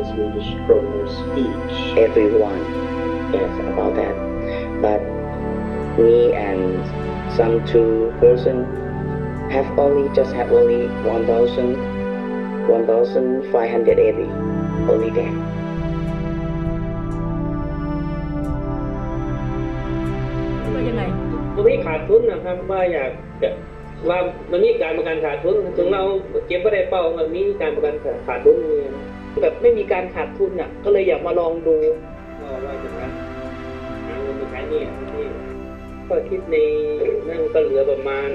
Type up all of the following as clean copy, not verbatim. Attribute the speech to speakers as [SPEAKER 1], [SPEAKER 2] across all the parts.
[SPEAKER 1] Swedish kroner each.
[SPEAKER 2] Everyone, yes, about that. But me and some two person have only 1,580 only that.
[SPEAKER 3] ว่ายังไง
[SPEAKER 4] มันไม่ขาดทุนนะครับว่าอยากจะว่ามันมีการประกันขาดทุนถึงเราเก็บไม่ได้เป้ามันมีการประกันขาดทุน
[SPEAKER 3] แบบไม่มีการขาดทุนอ่ะก็เลยอยากมาลองดู
[SPEAKER 4] ว่าจะหาเงินไปใช้นี่ก็คิดในนั่นก็เหลือประมาณ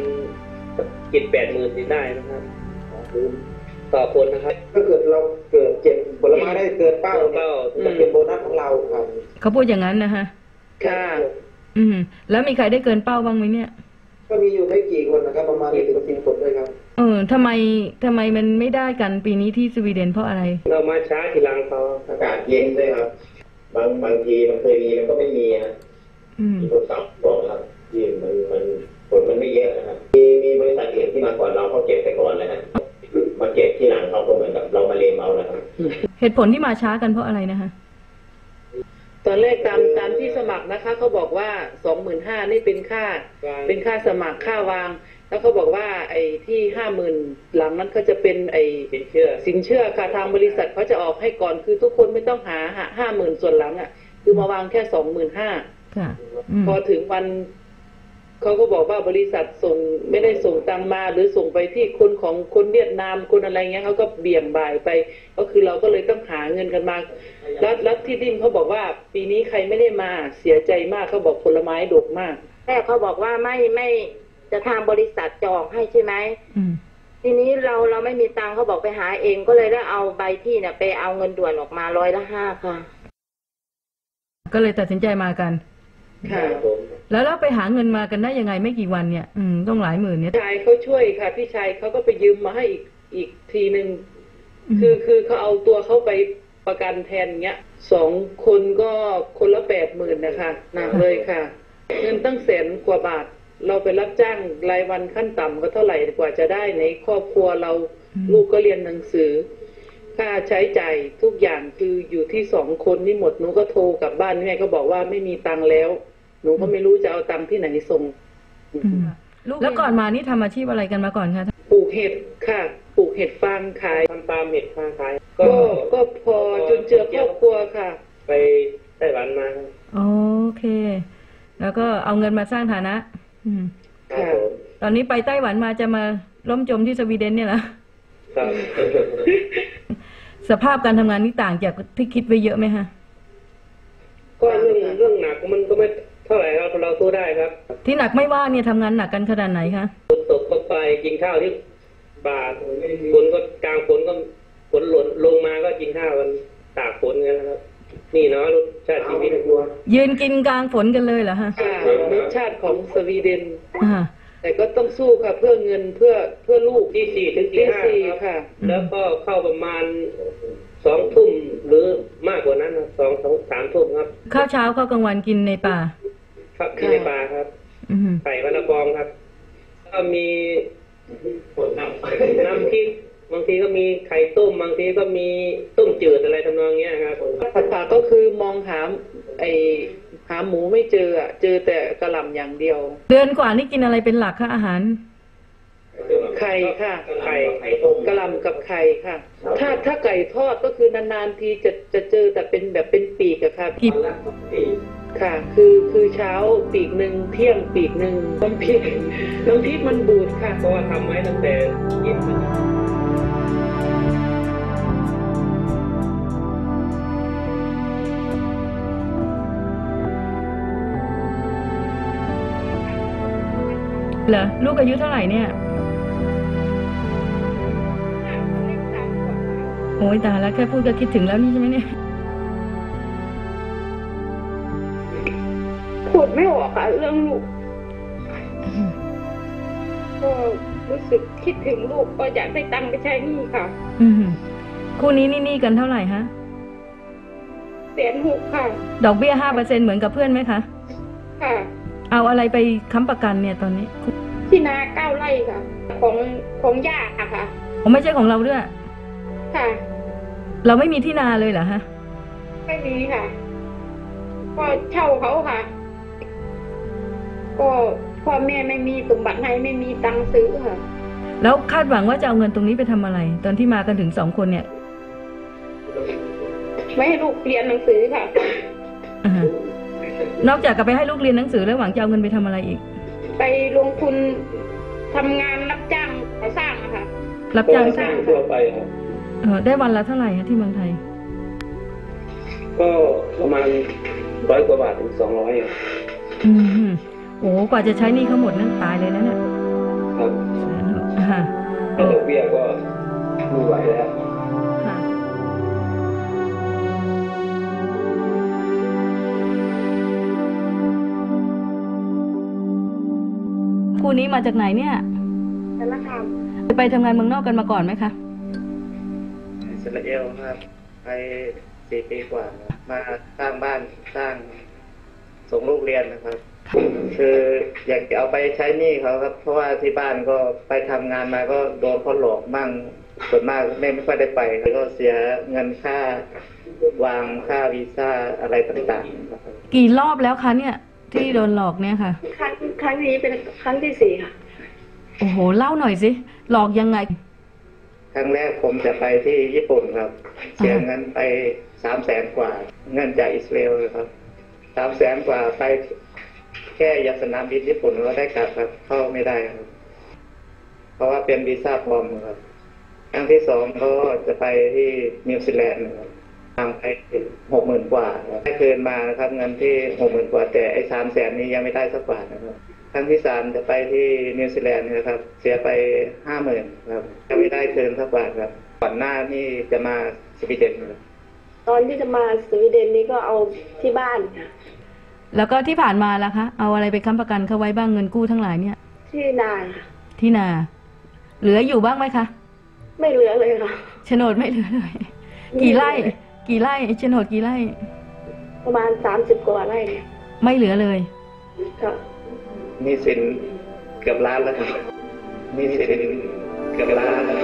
[SPEAKER 4] 7-8 หมื่นได้นะครับต่อคนนะครับ
[SPEAKER 1] ถ้าเกิดเราเกิดเก็บผลไม้ได้เกินเป้าจะเป็นโบนัสของเราครับ
[SPEAKER 3] เขาพูดอย่างนั้นนะฮะค่ะแล้วมีใครได้เกินเป้าบ้างไหมเนี่ย
[SPEAKER 1] ก็มีอยู่ไม่กี่คนนะครับประมาณ10 คนด้วยครับ
[SPEAKER 3] ทำไมมันไม่ได้กันปีนี้ที่สวีเดนเพราะอะไร
[SPEAKER 4] เรามาช้าทีหลังเขา
[SPEAKER 1] อากาศเย็นด้วยครับบางทีมันเคยมีมันก็ไม่มีฮะที่ทดสอบบอกครับที่มันผลมันไม่เยอะนะครับมีบริษัทอื่นที่มาก่อนเราเขาเก็บไปก่อนเลยนะมาเก็บที่หลังเขาก็เหมือนกับเรามาเลมเอานะครับ
[SPEAKER 3] เหตุผลที่มาช้ากันเพราะอะไรนะคะตอนแรกตามที่สมัครนะคะเขาบอกว่า 25,000 นี่เป็นค่าสมัครค่าวางแล้วเขาบอกว่าไอ้ที่ 50,000 หลังนั้นเขาจะเป็นไอ้สินเชื่อค่ะทางบริษัทเขาจะออกให้ก่อนคือทุกคนไม่ต้องหา 50,000 ส่วนหลังอ่ะคือมาวางแค่ 25,000 ค่ะพอถึงวันเขาก็บอกว่าบริษัทส่งไม่ได้ส่งตังมาหรือส่งไปที่คนของคนเวียดนามคนอะไรเงี้ยเขาก็เบี่ยงบ่ายไปก็คือเราก็เลยต้องหาเงินกันมาแล้วที่ดิมเขาบอกว่าปีนี้ใครไม่ได้มาเสียใจมากเขาบอกผลไม้ดกมาก
[SPEAKER 5] แม่เขาบอกว่าไม่จะทางบริษัทจองให้ใช่ไหมทีนี้เราไม่มีตังเขาบอกไปหาเองก็เลยได้เอาใบที่เนี่ยไปเอาเงินด่วนออกมา100/5ค่ะ
[SPEAKER 3] ก็เลยตัดสินใจมากันค่ะแล้วเราไปหาเงินมากันได้ยังไงไม่กี่วันเนี่ยต้องหลายหมื่นเนี่ยชายเขาช่วยค่ะพี่ชายเขาก็ไปยืมมาให้อีกทีนึงคือเขาเอาตัวเขาไปประกันแทนเงี้ย2 คนก็คนละ80,000นะคะหนักเลยค่ะเงินตั้ง100,000 กว่าบาทเราไปรับจ้างรายวันขั้นต่ำก็เท่าไหร่กว่าจะได้ในครอบครัวเราลูกก็เรียนหนังสือค่าใช้จ่ายทุกอย่างคืออยู่ที่2 คนนี่หมดหนูก็โทรกลับบ้านแม่ก็บอกว่าไม่มีตังค์แล้วหนูก็ไม่รู้จะเอาตังค์ที่ไหนส่งแล้วก่อนมานี่ทำอาชีพอะไรกันมาก่อนคะปลูกเห็ดค่ะปลูกเห็ดฟางขาย
[SPEAKER 4] ทำตามเห็ดฟางขาย
[SPEAKER 3] ก็พอจนเจือครอบครัวค่ะ
[SPEAKER 4] ไปไต้หวันมา
[SPEAKER 3] โอเคแล้วก็เอาเงินมาสร้างฐานะค่ะตอนนี้ไปไต้หวันมาจะมาล้มจมที่สวีเดนเนี่ยเหรอสภาพการทำงานนี่ต่างจากที่คิดไว้เยอะไหมฮะ
[SPEAKER 4] ก็เรื่องหนักมันก็ไม่เท่าไหร่ครับเราสู้ได้ครับ
[SPEAKER 3] ที่หนักไม่ว่าเนี่ยทำงานหนักกันขนาดไหนคะ
[SPEAKER 4] ตกเข้าไปกินข้าวที่บาทฝนก็กลางฝนก็ฝนหล่นลงมาก็กินข้าวกันตากฝนกันนะครับนี่เนาะรสชาติชีวิต
[SPEAKER 3] ยืนกินกลางฝนกันเลยเหรอฮะรสชาติของสวีเดนแต่ก็ต้องสู้ค่ะเพื่อเงินเพื่อลูก
[SPEAKER 4] ที่4 ถึง ตี 5ค่ะแล้วก็เข้าประมาณ2 ทุ่มหรือมากกว่านั้น2-3 ทุ่มครับ
[SPEAKER 3] ข้าวเช้าข้าวกลางวันกินในป่า
[SPEAKER 4] ครับกินในป่าครับไข่วันละฟองครับก็มีน้ำพริกบางทีก็มีไข่ต้มบางทีก็มีต้มจืดอะไรทำนองเงี้ยครับ
[SPEAKER 3] ผัดผักก็คือมองหาหมูไม่เจอเจอแต่กระหล่ำอย่างเดียวเดือนกว่านี่กินอะไรเป็นหลักคะอาหารไข่ค่ะไข่กระหล่ำกับไข่ค่ะถ้าไก่ทอดก็คือนานๆทีจะเจอแต่เป็นแบบเป็นปีกอะค่ะค่ะคือเช้าปีกหนึ่งเที่ยงปีกหนึ่งน้ำพริกมันบูดค่ะ
[SPEAKER 4] เพราะว่าทำไว้ตั้งแต่เย็น
[SPEAKER 3] เหรอลูกอายุเท่าไหร่เนี่ยโอ้ยตายแล้วแค่พูดก็คิดถึงแล้วนี่ใช่ไหมเนี่ย
[SPEAKER 5] พูดไม่ออกค่ะเรื่องลูกก็รู้สึกคิดถึงลูกก็อยากได้ตังค์ไปใช้หนี้ค่ะ
[SPEAKER 3] คู่นี้นี่กันเท่าไหร่ฮะ
[SPEAKER 5] 160,000ค่ะ
[SPEAKER 3] ดอกเบี้ย 5% เหมือนกับเพื่อนไหมคะ
[SPEAKER 5] ค่ะ
[SPEAKER 3] เอาอะไรไปค้ำประกันเนี่ยตอนนี้
[SPEAKER 5] ที่นา9 ไร่ค่ะของย่าค่ะ
[SPEAKER 3] ไม่ใช่ของเราด้วย
[SPEAKER 5] ค่ะ
[SPEAKER 3] เราไม่มีที่นาเลยเหรอฮะ
[SPEAKER 5] ไม่มีค่ะก็เช่าเขาค่ะก็พ่อแม่ไม่มีสมบัติให้ไม่มีตังค์ซื้อค่ะ
[SPEAKER 3] แล้วคาดหวังว่าจะเอาเงินตรงนี้ไปทำอะไรตอนที่มากันถึง2 คนเนี่ย
[SPEAKER 5] ไม่ให้ลูกเรียนหนังสือค่ะ
[SPEAKER 3] นอกจากจะไปให้ลูกเรียนหนังสือแล้วหวังจะเอาเงินไปทำอะไรอีก
[SPEAKER 5] ไปลงทุนทำงานรับจ้างก่อสร้างนะคะ
[SPEAKER 3] รับจ้าง
[SPEAKER 4] สร้างทั่วไปครับ
[SPEAKER 3] ได้วันละเท่าไหร่ฮะที่เมืองไทย
[SPEAKER 4] ก็ประมาณ100 กว่าบาทถึง200ครับ
[SPEAKER 3] โอ้กว่าจะใช้หนี้เขาหมดนั่นตายเลยนะเนี่ย
[SPEAKER 4] ครับแต่ดอกเบี้ยก็ไม่ไหวแล้ว
[SPEAKER 3] คู่นี้มาจากไหนเนี่ย
[SPEAKER 5] สารคาม
[SPEAKER 3] ไปทำงานเมืองนอกกันมาก่อนไหมคะ
[SPEAKER 2] อิสราเอลครับไป4 ปีกว่ามาสร้างบ้านสร้างส่งลูกเรียนนะครับคืออยากจะเอาไปใช้หนี้เขาครับเพราะว่าที่บ้านก็ไปทำงานมาก็โดนเขาหลอกมั่งส่วนมากไม่ค่อยได้ไปแล้วก็เสียเงินค่าวางค่าวีซ่าอะไรต่างๆ
[SPEAKER 3] กี่รอบแล้วคะเนี่ยที่โดนหลอกเนี่ยค่ะ
[SPEAKER 5] ครั้งนี้เป็นครั้งที่4ค่ะ
[SPEAKER 3] โอ้โหเล่าหน่อยสิหลอกยังไง
[SPEAKER 2] ครั้งแรกผมจะไปที่ญี่ปุ่นครับเสียเงินไป300,000 กว่าเงินจากอิสราเอลครับ300,000 กว่าไปแค่ยาสนามบินญี่ปุ่นก็ได้กลับครับเข้าไม่ได้ครับเพราะว่าเป็นวีซ่าปลอมครับครั้งที่2ก็จะไปที่นิวซีแลนด์ครับทางไป60,000 กว่าได้คืนมานะครับเงินที่60,000 กว่าแต่ไอ้300,000นี้ยังไม่ได้สักบาทนะครับครั้งที่3จะไปที่นิวซีแลนด์นะครับเสียไป50,000ครับยังไม่ได้คืนสักบาทครับก่อนหน้านี่จะมาสวีเดนครับ
[SPEAKER 5] ตอนที่จะมาสวีเดนนี้ก็เอาที่บ้านค่ะ
[SPEAKER 3] แล้วก็ที่ผ่านมาล่ะคะเอาอะไรไปค้ำประกันเขาไว้บ้างเงินกู้ทั้งหลายเนี่ย
[SPEAKER 5] ที่นา
[SPEAKER 3] ที่นาเหลืออยู่บ้างไหมคะ
[SPEAKER 5] ไม่เหลือเลยค่ะ
[SPEAKER 3] โฉนดไม่เหลือเลยกี่ไร่โฉนดกี่ไร่
[SPEAKER 5] ประมาณ30 กว่าไร่
[SPEAKER 3] ไม่เหลือเลย
[SPEAKER 5] ค่ะ
[SPEAKER 2] มีสินเกือบล้านแล้วครับมีสินเกือบล้านแล้ว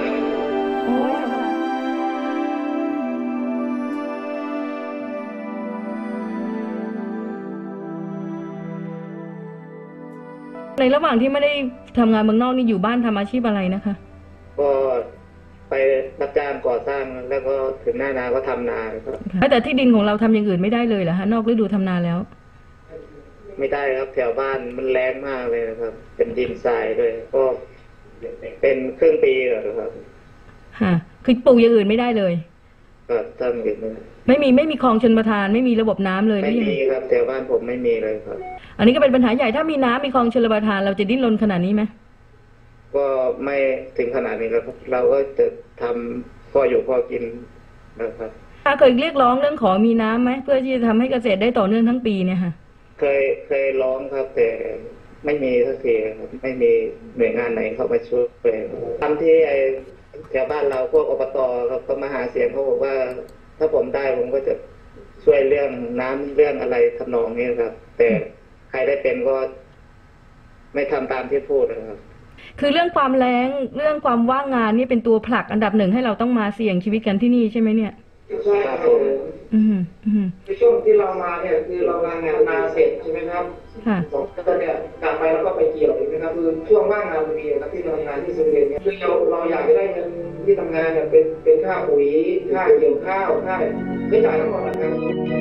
[SPEAKER 3] ในระหว่างที่ไม่ได้ทำงานเมืองนอกนี่อยู่บ้านทำอาชีพอะไรนะคะ
[SPEAKER 2] ก็ไปรับจ้างก่อสร้างแล้วก็ถึงหน้านาก็ทำนาครับ
[SPEAKER 3] แต่ที่ดินของเราทำอย่างอื่นไม่ได้เลยเหรอคะนอกฤดูทำนาแล้ว
[SPEAKER 2] ไม่ได้ครับแถวบ้านมันแรงมากเลยนะครับเป็นดินทรายด้วยก็เป็นครึ่งปีเหรอครับ
[SPEAKER 3] คือปลูกอย่างอื่นไม่ได้เลย
[SPEAKER 2] ก็ทำอย่างนี้
[SPEAKER 3] ไม่มีคลองชลประทานไม่มีระบบน้ำเลย
[SPEAKER 2] ไม่มีครับแถวบ้านผมไม่มีเลยครับ
[SPEAKER 3] อันนี้ก็เป็นปัญหาใหญ่ถ้ามีน้ำมีคลองชลประทานเราจะดิ้นรนขนาดนี้ไหม
[SPEAKER 2] ก็ไม่ถึงขนาดนี้แล้วครับเราก็จะทำพออยู่พอกินนะครับ
[SPEAKER 3] เคยเรียกร้องเรื่องขอมีน้ำไหมเพื่อที่จะทำให้เกษตรได้ต่อเนื่องทั้งปีเนี่ยค่ะ
[SPEAKER 2] เคยร้องครับแต่ไม่มีสักทีครับไม่มีหน่วยงานไหนเข้ามาช่วยทำที่แถวบ้านเราพวกอบตครับก็มาหาเสียงเขาบอกว่าถ้าผมได้ผมก็จะช่วยเรื่องน้ำเรื่องอะไรทำนองนี้ครับแต่ใครได้เป็นก็ไม่ทำตามที่พูดนะครับ
[SPEAKER 3] คือเรื่องความแล้งเรื่องความว่างงานนี่เป็นตัวผลักอันดับ1ให้เราต้องมาเสี่ยงชีวิตกันที่นี่ใช่ไหมเนี่ย
[SPEAKER 2] ใช่ครับผม
[SPEAKER 6] ในช่วงที่เรามาเนี่ยคือเรางานนาเสร็จใช่ไหมครับ2 เดือนเนี่ยกลับไปแล้วก็ไปเกี่ยวใช่ไหมครับคือช่วงว่างงานพอดีครับที่ทำงานที่สวีเดนเนี่ยคือเราอยากจะได้เงินที่ทำงานเนี่ยเป็นค่าปุ๋ยค่าเกี่ยวข้าวค่าไม่จ่ายทั้งหมดนะครับ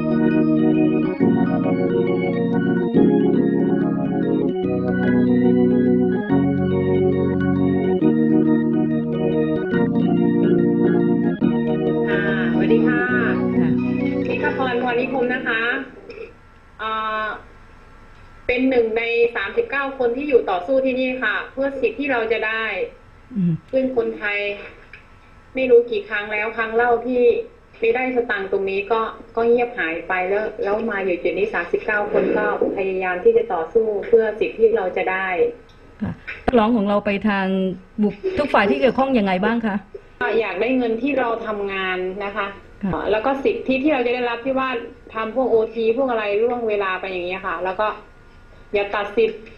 [SPEAKER 7] สวัสดีค่ะพี่ข้าพรพรนิคมนะคะเป็น1 ใน 39 คนที่อยู่ต่อสู้ที่นี่ค่ะเพื่อสิทธิ์ที่เราจะได้ซึ่งคนไทยไม่รู้กี่ครั้งแล้วครั้งเล่าที่ไม่ได้สตังค์ตรงนี้ก็เงียบหายไปแล้วมาอยู่จุดนี้39 คนก็พยายามที่จะต่อสู้เพื่อสิทธิ์ที่เราจะได้
[SPEAKER 3] ร้องของเราไปทางบุคทุกฝ่ายที่เกี่ยวข้องยังไงบ้างคะ
[SPEAKER 7] อยากได้เงินที่เราทำงานนะคะแล้วก็สิทธิที่เราจะได้รับที่ว่าทำพวกOTพวกอะไรล่วงเวลาไปอย่างเงี้ยค่ะแล้วก็อย่าตัดสิทธิ์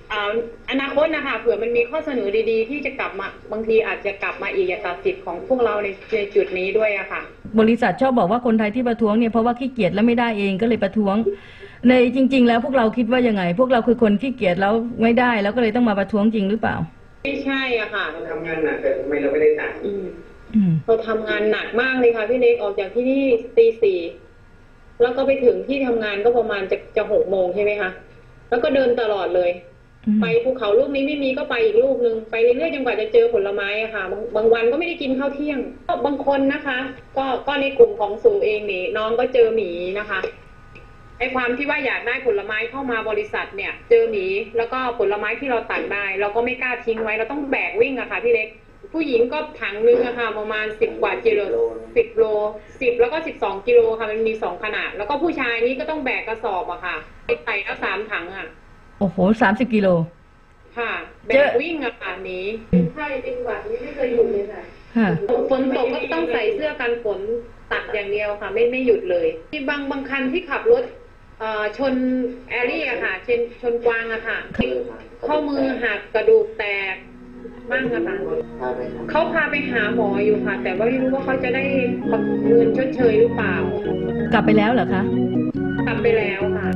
[SPEAKER 7] อนาคตนะคะเผื่อมันมีข้อเสนอดีๆที่จะกลับมาบางทีอาจจะกลับมาอีกอย่าตัดสิทธิ์ของพวกเราในจุดนี้ด้วยอะค่ะ
[SPEAKER 3] บริษัทชอบบอกว่าคนไทยที่ประท้วงเนี่ยเพราะว่าขี้เกียจแล้วไม่ได้เองก็เลยประท้วงในจริง ๆ แล้วพวกเราคิดว่ายังไงพวกเราคือคนขี้เกียจแล้วไม่ได้แล้วก็เลยต้องมาประท้วงจริงหรือเปล่า
[SPEAKER 7] ไม่ใช่อะค่ะ
[SPEAKER 6] เราทำงานหนักแต่ทำไมเราไม่ได้ตังค์
[SPEAKER 7] เราทำงานหนักมากเลยค่ะพี่เล็กออกจากที่นี่ตี 4แล้วก็ไปถึงที่ทำงานก็ประมาณจะ6 โมงใช่ไหมคะแล้วก็เดินตลอดเลยไปภูเขาลูกนี้ไม่มีก็ไปอีกลูกนึงไปเรื่อยๆจนกว่าจะเจอผลไม้อะค่ะบางวันก็ไม่ได้กินข้าวเที่ยงก็บางคนนะคะก็ในกลุ่มของสูเองนี่น้องก็เจอหมีนะคะไอ้ความที่ว่าอยากได้ผลไม้เข้ามาบริษัทเนี่ยเจอหมีแล้วก็ผลไม้ที่เราตัดได้เราก็ไม่กล้าทิ้งไว้เราต้องแบกวิ่งอะค่ะพี่เล็กผู้หญิงก็ถังนึงอะค่ะประมาณ10 กว่ากิโล10 โล10แล้วก็12 กิโลค่ะมันมี2 ขนาดแล้วก็ผู้ชายนี่ก็ต้องแบกกระสอบอะค่ะไปแล้ว3 ถังอะ
[SPEAKER 3] โอ้โห30 กิโล
[SPEAKER 7] ค่ะแบกวิ่งอะค่ะนี้ใช่เป็นหวัดนี่ไม่เคยหยุดเลยค่ะฝนตกก็ต้องใส่เสื้อกันฝนตัดอย่างเดียวค่ะไม่หยุดเลยที่บางคันที่ขับรถชนแอรี่อะค่ะชนกวางอะค่ะข้อมือหักกระดูกแตกบ้างอะค่ะเขาพาไปหาหมออยู่ค่ะแต่ว่าไม่รู้ว่าเขาจะได้เงินชดเชยหรือเปล่าก
[SPEAKER 3] ลับไปแล้วเหรอคะ
[SPEAKER 7] กลับไปแล้วค่ะ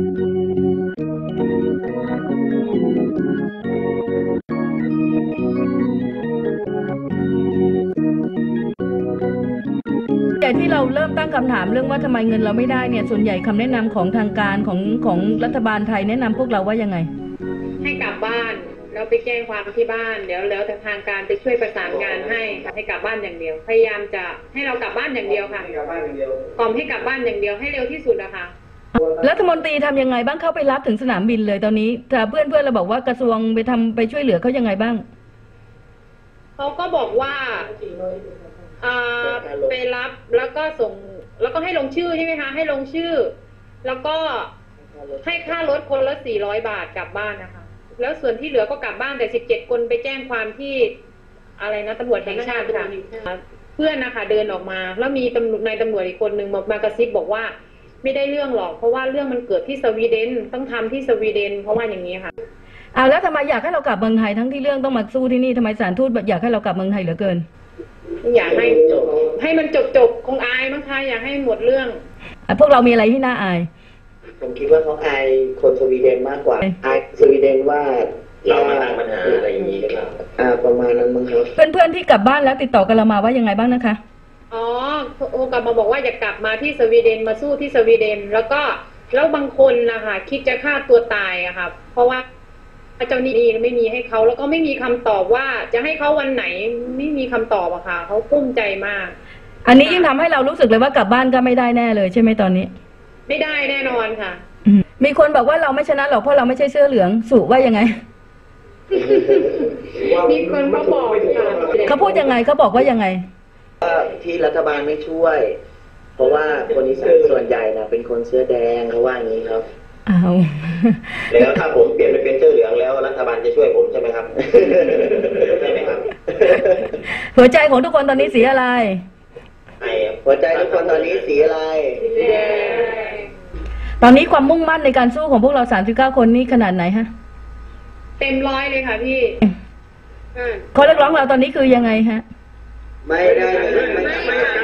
[SPEAKER 3] แต่ที่เราเริ่มตั้งคำถามเรื่องว่าทำไมเงินเราไม่ได้เนี่ยส่วนใหญ่คำแนะนำของทางการของรัฐบาลไทยแนะนำพวกเราว่ายังไง
[SPEAKER 7] ให้กลับบ้านแล้วไปแจ้งความที่บ้านแล้วทางการจะช่วยประสานงานให้กลับบ้านอย่างเดียวพยายามจะให้เรากลับบ้านอย่างเดียวค่ะกล่อมให้กลับบ้านอย่างเดียวให้เร็วที่สุดนะคะ
[SPEAKER 3] รัฐมนตรีทำยังไงบ้างเข้าไปรับถึงสนามบินเลยตอนนี้แต่เพื่อนเราบอกว่ากระทรวงไปช่วยเหลือเขายังไงบ้าง
[SPEAKER 7] เขาก็บอกว่าไปรับแล้วก็ส่งแล้วก็ให้ลงชื่อใช่ไหมคะให้ลงชื่อแล้วก็ให้ค่ารถคนละ400 บาทกลับบ้านนะคะแล้วส่วนที่เหลือก็กลับบ้านแต่17 คนไปแจ้งความที่อะไรนะตำรวจแห่งชาติค่ะเพื่อนนะคะเดินออกมาแล้วมีนายตำรวจอีกคนนึงมากระซิบบอกว่าไม่ได้เรื่องหรอกเพราะว่าเรื่องมันเกิดที่สวีเดนต้องทำที่สวีเดนเพราะว่าอย่างนี้ค่ะ
[SPEAKER 3] แล้วทำไมอยากให้เรากลับเมืองไทยทั้งที่เรื่องต้องมาสู้ที่นี่ทำไมศาลทูตอยากให้เรากลับเมืองไทยเหลือเกิน
[SPEAKER 7] อยากให้มันจบคงอายมั้งคะอยากให้หมดเรื่อง
[SPEAKER 3] พวกเรามีอะไรที่น่าอาย
[SPEAKER 2] ผมคิดว่าเขาอายคนสวีเดนมากกว่าอายสวีเดนว่า
[SPEAKER 1] เรามาตั้งปัญหาอะไรอย่างนี้ครับ
[SPEAKER 2] ประมาณนั้นมั้งครับ
[SPEAKER 3] เพื่อนที่กลับบ้านแล้วติดต่อกันเรามาว่ายังไงบ้างนะคะ
[SPEAKER 7] กลับมาบอกว่าอยากกลับมาที่สวีเดนมาสู้ที่สวีเดนแล้วบางคนนะคะคิดจะฆ่าตัวตายอะค่ะเพราะว่าเจ้าหนี้ไม่มีให้เขาแล้วก็ไม่มีคำตอบว่าจะให้เขาวันไหนไม่มีคำตอบอะค่ะเขากุ้มใจมาก
[SPEAKER 3] อันนี้ยิ่งทำให้เรารู้สึกเลยว่ากลับบ้านก็ไม่ได้แน่เลยใช่ไหมตอนนี้
[SPEAKER 7] ไม่ได้แน่นอนค่ะ
[SPEAKER 3] มีคนบอกว่าเราไม่ชนะหรอกเพราะเราไม่ใช่เสื้อเหลืองสุว่ายังไง
[SPEAKER 7] มีคนเขาบอกค่ะ
[SPEAKER 3] เขาพูดยังไงเขาบอกว่ายังไง
[SPEAKER 2] ที่รัฐบาลไม่ช่วยเพราะว่าคนอีสานส่วนใหญ่นะเป็นคนเสื้อแดงเขาว่าอย่างนี้ครับ
[SPEAKER 1] แล้วถ้าผมเปลี่ยนไปเป็นเสื้อเหลืองแล้วรัฐบาลจะช่วยผมใช่ไหมครับใช่ไหมครับ
[SPEAKER 3] หัวใจของทุกคนตอนนี้สีอะไร
[SPEAKER 2] หัวใจทุกคนตอนนี้สีอะไร
[SPEAKER 3] ตอนนี้ความมุ่งมั่นในการสู้ของพวกเรา39 คนนี่ขนาดไหนฮะ
[SPEAKER 7] เต็ม100เลยค่ะพี่
[SPEAKER 3] ข้อเรียกร้องเราตอนนี้คือยังไงฮะ
[SPEAKER 2] ไม่ได้